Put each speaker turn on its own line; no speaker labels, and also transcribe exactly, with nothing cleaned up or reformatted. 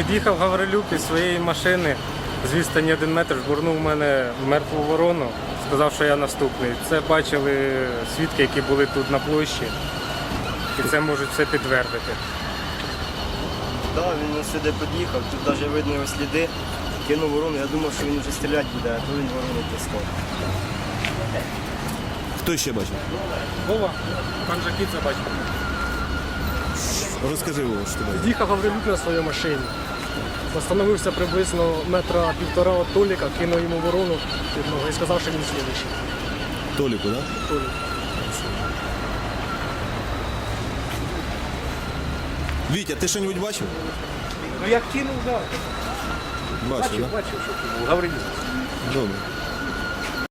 Під'їхав Гаврилюк із своєї машини, з відстані один метр жбурнув мене в мертву ворону, сказав, що я наступний. Це бачили свідки, які були тут на площі, і це можуть все підтвердити.
Так, да, він сюди під'їхав, тут навіть видно його сліди, кинув ворону, я думав, що він вже стріляти буде, а то він ворону тискав.
Хто ще бачив?
Вова, пан Жакіця бачив.
Розкажи, Вова, що ти бачив.
Їхав Гаврилюк на своїй машині. Остановився приблизно метра півтора від Толіка, кинув йому ворону під ногу і сказав, що він слідуючий.
Толіку, так? Да?
Толік.
Вітя, ти що-небудь бачив?
Ну як кинув, так.
Бачив, так?
Бачив, що кинув. Гаврилюк.
Добре.